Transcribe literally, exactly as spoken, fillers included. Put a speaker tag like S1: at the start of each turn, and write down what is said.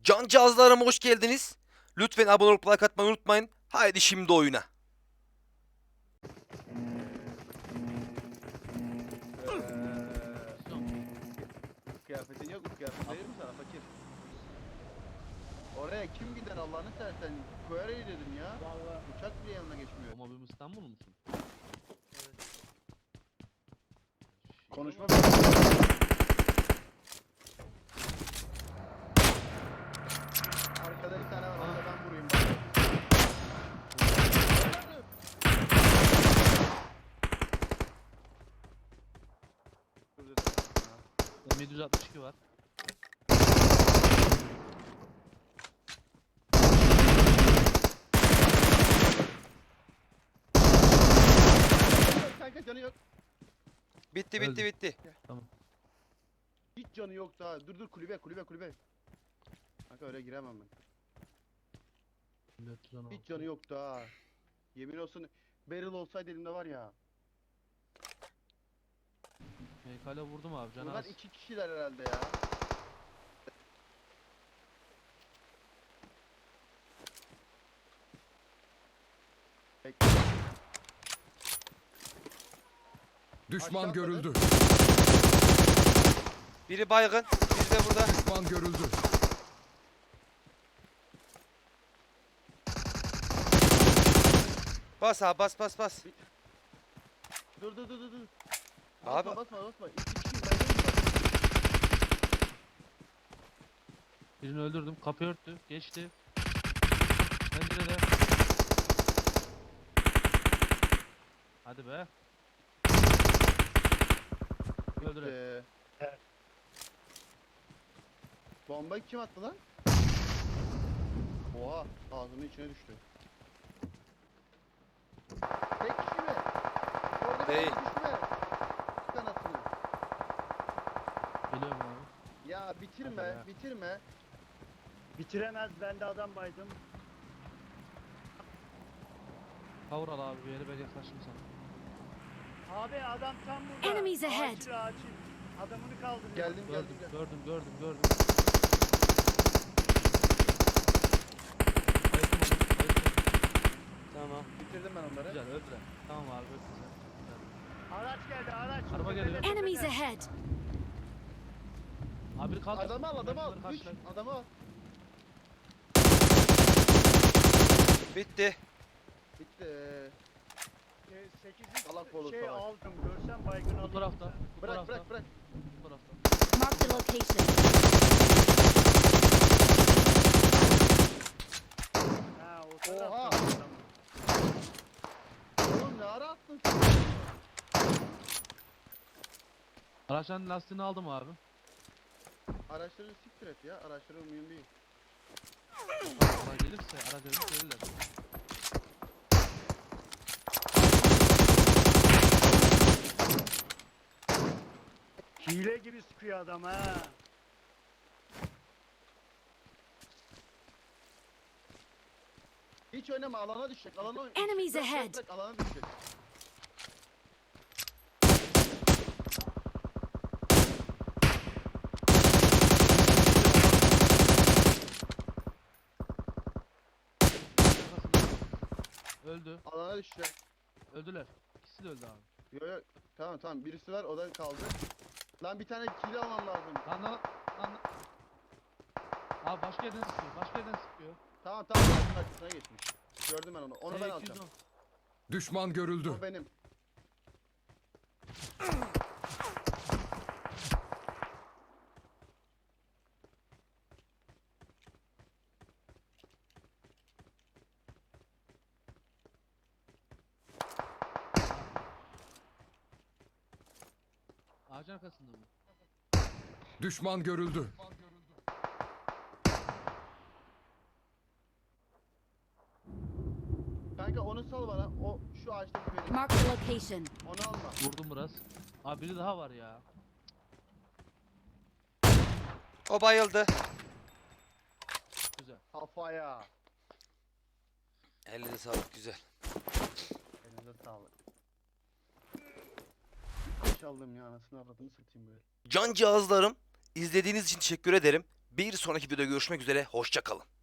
S1: Can cihazlarıma hoş geldiniz. Lütfen abone olup like atmayı unutmayın. Haydi şimdi oyuna.
S2: Kıyafetin yok mu? Kıyafet verir mi sana fakir? Oraya kim gider Allah'ını seversen? Koyarayı dedim ya.
S3: Vallahi.
S2: Uçak bile yanına geçmiyor.
S4: Ama benim İstanbul musun?
S2: Konuşma. Arkada bir tane var. Onu da ben vurayım.
S4: M yedi yüz altmış iki var.
S2: Kanka canı yok.
S1: Bitti bitti
S4: Öldü.
S1: bitti.
S2: Hiç canı yok daha. Dur dur kulübe kulübe kulübe. Kanka öyle giremem ben.
S4: dört yüz on altı.
S2: Hiç canı yok daha. Yemin olsun barrel olsaydı elimde var ya.
S4: Meykale vurdum abi canı
S2: Bunlar
S4: az.
S2: iki kişiler herhalde ya. Bekle.
S5: Düşman
S2: Aşağı
S5: görüldü.
S1: Biri baygın. Biri de burada.
S5: Düşman görüldü.
S1: Bas abi bas bas bas.
S2: Dur dur dur dur. dur.
S1: Abi.
S2: Basma basma basma. İki kişiyim ben değilim bak.
S4: Birini öldürdüm. Kapı örttü. Geçti. Pencerede. Hadi be. Öldüre.
S2: Ee, Bomba kim attı lan? Oha ağzının içine düştü. Tek kişi mi? Orada bir
S1: Değil.
S2: tane düşme. Sık anasını.
S4: Geliyorum abi.
S2: Ya bitirme
S4: Hadi be.
S2: bitirme.
S3: Bitiremez, ben de adam baydım.
S4: Kavur al abi bir yere, ben yaklaştım sana.
S3: Abi adam tam burada.
S6: Enemies ahead.
S3: Acil acil. Adamını kaldırıyor.
S2: Geldim geldim
S4: Gördüm,
S2: geldim.
S4: gördüm, gördüm, gördüm. Bayıldım, bayıldım.
S1: Tamam.
S2: Bitirdim ben onları.
S4: Güzel, öldüre. Tamam abi, öldüre.
S3: Araç geldi araç.
S4: Araba
S3: Tepede,
S4: geliyor.
S3: tepede.
S6: Enemies ahead!
S4: Abi kaldır.
S2: Adamı al adamı al.
S4: Bunları
S2: Üç
S4: karşıla.
S2: adamı al.
S1: Bitti.
S2: Bitti.
S3: Ee, sekiz
S2: Salak oğlu
S3: şey
S2: salak.
S3: aldım. Görsem baygın
S4: Bu
S3: aldım.
S4: tarafta, bu
S2: Bırak
S4: tarafta,
S2: bırak bırak.
S4: bu tarafta.
S6: Mark the location.
S3: Ha o tarafta.
S2: Oha.
S3: adam.
S2: Oğlum ne ara attın sen?
S4: Araçların lastiğini aldım abi.
S2: Araçları siktir et ya. Araçları mühim değil.
S4: Araba gelirse, ara gelirse gelirler.
S3: Hile gibi sıkıyor adam ha.
S2: Hiç oynama alana düşecek. Alana oyn-
S6: Enemies
S2: Bırak, bırak,
S6: ahead.
S2: bırak, alana düşecek.
S4: Öldü,
S2: Alana düşecek.
S4: öldüler. İkisi de öldü abi.
S2: Yo yo. Tamam tamam birisi var o da kaldı. Lan bir tane kill almam lazım.
S4: Lan lan lan. lan. Abi başka yerden sıkıyor, başka yerden sıkıyor.
S2: Tamam tamam ağacın arkasına geçmiş. Gördüm ben onu. Onu ben
S4: T iki yüz
S2: alacağım.
S4: on.
S5: Düşman görüldü.
S2: O benim.
S4: Ağacın arkasında mı?
S5: Düşman görüldü.
S2: Kanka onu sal bana. O şu ağaçtaki benim.
S6: Mark the location.
S2: Onu alma.
S4: Vurdum biraz. Abi biri daha var ya.
S1: O bayıldı.
S4: Güzel.
S2: Kafaya.
S1: Elinize sağlık güzel.
S2: Elinize sağlık. Çaldım ya anasını avradını satayım böyle.
S1: Can cihazlarım izlediğiniz için teşekkür ederim. Bir sonraki videoda görüşmek üzere. Hoşça kalın.